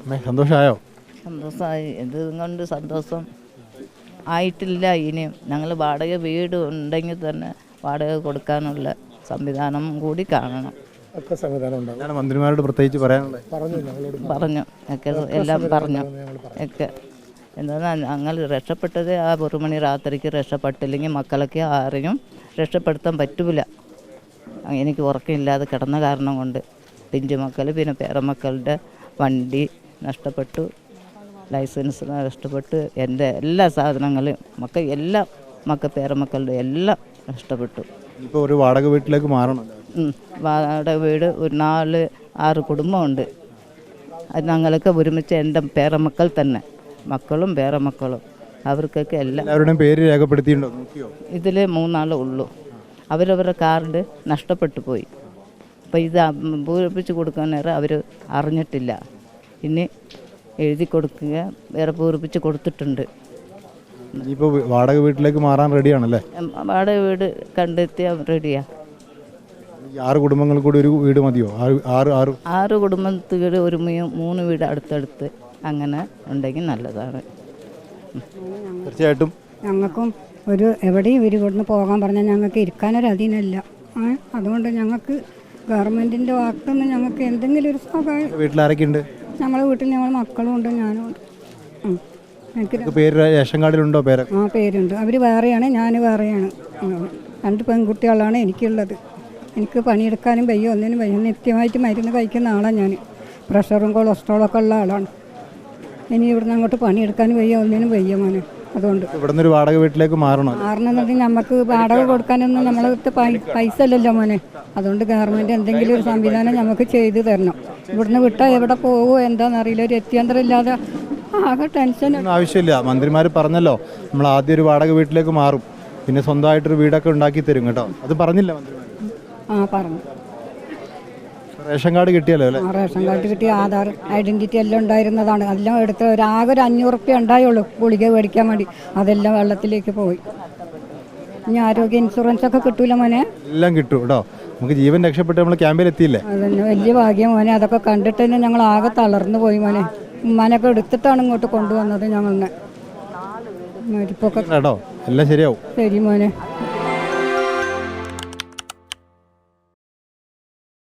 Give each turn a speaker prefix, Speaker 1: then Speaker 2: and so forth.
Speaker 1: സന്തോഷമായോ?
Speaker 2: സന്തോഷമായി. എന്തുകൊണ്ട് സന്തോഷം ആയിട്ടില്ല. ഇനിയും ഞങ്ങൾ വാടക വീട് ഉണ്ടെങ്കിൽ തന്നെ വാടക കൊടുക്കാനുള്ള സംവിധാനം കൂടി കാണണം.
Speaker 1: മന്ത്രിമാരോട് പ്രത്യേകിച്ച് പറയാനുള്ളത്
Speaker 2: പറഞ്ഞു ഒക്കെ എല്ലാം പറഞ്ഞു ഒക്കെ. എന്നാൽ ഞങ്ങൾ രക്ഷപ്പെട്ടത് ആ 1 മണി രാത്രിക്ക് രക്ഷപ്പെട്ടില്ലെങ്കിൽ മക്കളൊക്കെ ആരെയും രക്ഷപ്പെടുത്താൻ പറ്റൂല. എനിക്ക് ഉറക്കമില്ലാതെ കിടന്ന കാരണം കൊണ്ട് പിഞ്ചു മക്കൾ പിന്നെ പേരമക്കളുടെ വണ്ടി നഷ്ടപ്പെട്ടു, ലൈസൻസ് നഷ്ടപ്പെട്ടു, എൻ്റെ എല്ലാ സാധനങ്ങളും പേരമക്കളുടെ എല്ലാം നഷ്ടപ്പെട്ടു.
Speaker 1: ഇപ്പോൾ ഒരു വാടക വീട്ടിലേക്ക് മാറണം.
Speaker 2: വാടക വീട് ഒരു 4-6 കുടുംബമുണ്ട്. അത് ഞങ്ങൾക്ക് ഒരുമിച്ച് എൻ്റെ പേരമക്കൾ തന്നെ, മക്കളും പേരമക്കളും അവർക്കൊക്കെ
Speaker 1: എല്ലാവരുടെയും പേര് രേഖപ്പെടുത്തിയിട്ടുണ്ടോ? നോക്കിയോ?
Speaker 2: ഇതിൽ 3 ആളേ ഉള്ളൂ. അവരവരുടെ കാർഡ് നഷ്ടപ്പെട്ടു പോയി. അപ്പോൾ ഇത് പൂരിപ്പിച്ച് കൊടുക്കാൻ നേരം അവർ അറിഞ്ഞിട്ടില്ല. ഇനി എഴുതി കൊടുക്കുക, വേറെ പൂരിപ്പിച്ച് കൊടുത്തിട്ടുണ്ട്.
Speaker 1: ഇപ്പോൾ വാടക വീട്ടിലേക്ക് മാറാൻ റെഡിയാണല്ലേ?
Speaker 2: വാടക വീട് കണ്ടെത്തിയാൽ റെഡിയാ.
Speaker 1: 6 കുടുംബങ്ങൾ കൂടി ഒരു വീട് മതിയോ?
Speaker 2: 6 കുടുംബത്തിൽ ഒരു 3 വീട് അടുത്തടുത്ത് അങ്ങനെ ഉണ്ടെങ്കിൽ നല്ലതാണ്.
Speaker 1: തീർച്ചയായിട്ടും
Speaker 3: ഞങ്ങൾക്കും എവിടെയും ഇവർ ഇവിടുന്ന് പോകാൻ പറഞ്ഞാൽ ഞങ്ങൾക്ക് ഇരിക്കാനൊരു അധീനമില്ല. അതുകൊണ്ട് ഞങ്ങൾക്ക് ഗവൺമെൻറ്റിൻ്റെ ഭാഗത്തുനിന്ന് ഞങ്ങൾക്ക് എന്തെങ്കിലും ഒരു സഹായം.
Speaker 1: വീട്ടിലാരൊക്കെ ഉണ്ട്?
Speaker 3: ഞങ്ങളുടെ വീട്ടിൽ ഞങ്ങൾ മക്കളും ഉണ്ട്, ഞാനും ഉണ്ട്. എനിക്ക്
Speaker 1: പേര് റേഷൻ കാർഡിലുണ്ടോ?
Speaker 3: പേരുണ്ട്. അവർ വേറെയാണ്, ഞാൻ വേറെയാണ്. 2 പെൺകുട്ടികളാണ് എനിക്കുള്ളത്. എനിക്ക് പണിയെടുക്കാനും വയ്യ, ഒന്നിനും വയ്യ. നിത്യമായിട്ട് മരുന്ന് കഴിക്കുന്ന ആളാണ് ഞാൻ. പ്രഷറും കൊളസ്ട്രോളൊക്കെ ഉള്ള ആളാണ്. ഇനി ഇവിടുന്ന് അങ്ങോട്ട് പണിയെടുക്കാനും വയ്യ, ഒന്നിനും വയ്യ മോനെ. അതുകൊണ്ട്
Speaker 1: ഇവിടുന്ന് ഒരു വാടക വീട്ടിലേക്ക്
Speaker 3: മാറണമെന്നുണ്ടെങ്കിൽ നമുക്ക് വാടക കൊടുക്കാനൊന്നും നമ്മളടുത്ത് പൈസ അല്ലല്ലോ മോനെ. അതുകൊണ്ട് ഗവൺമെൻറ് എന്തെങ്കിലും ഒരു സംവിധാനം നമുക്ക് ചെയ്തു തരണം. ഇവിടുന്ന് വിട്ടാൽ എവിടെ പോകുമോ എന്താണെന്നറിയില്ല. ഒരു എത്തിയന്തരം ഇല്ലാതെ ആകെ ടെൻഷൻ.
Speaker 1: ആവശ്യമില്ല. മന്ത്രിമാർ പറഞ്ഞല്ലോ നമ്മൾ ആദ്യം ഒരു വാടക വീട്ടിലേക്ക് മാറും, പിന്നെ സ്വന്തമായിട്ടൊരു വീടൊക്കെ ഉണ്ടാക്കി തരും കേട്ടോ. അത് പറഞ്ഞില്ല മന്ത്രിമാർ?
Speaker 3: പറഞ്ഞു.
Speaker 1: റേഷൻ കാർഡ് കിട്ടിയല്ലോ അല്ലേ?
Speaker 3: റേഷൻ കാർഡ് കിട്ടി, ആധാർ ഐഡൻറ്റിറ്റി എല്ലാം ഉണ്ടായിരുന്നതാണ്. എല്ലാം എടുത്ത് ആകെ ഒരു 500 റുപ്യ ഉണ്ടായുള്ളൂ ഗുളിക മേടിക്കാൻ വേണ്ടി. അതെല്ലാം വെള്ളത്തിലേക്ക് പോയി. ഇനി ആരോഗ്യ ഇൻഷുറൻസ് ഒക്കെ കിട്ടൂല മോനെ?
Speaker 1: എല്ലാം കിട്ടും കേട്ടോ. നമുക്ക് ജീവൻ രക്ഷപ്പെട്ട് നമ്മൾ ക്യാമ്പിൽ എത്തിയില്ലേ?
Speaker 3: അതന്നെ വലിയ ഭാഗ്യം മോനെ. അതൊക്കെ കണ്ടിട്ട് തന്നെ ഞങ്ങൾ ആകെ തളർന്നു പോയി മോനെ. ഉമ്മാനൊക്കെ എടുത്തിട്ടാണ് ഇങ്ങോട്ട് കൊണ്ടുവന്നത് ഞങ്ങളെ. മരിപ്പൊക്കെ
Speaker 1: കേട്ടോ, എല്ലാം ശരിയാവും.
Speaker 3: ശരി മോനെ.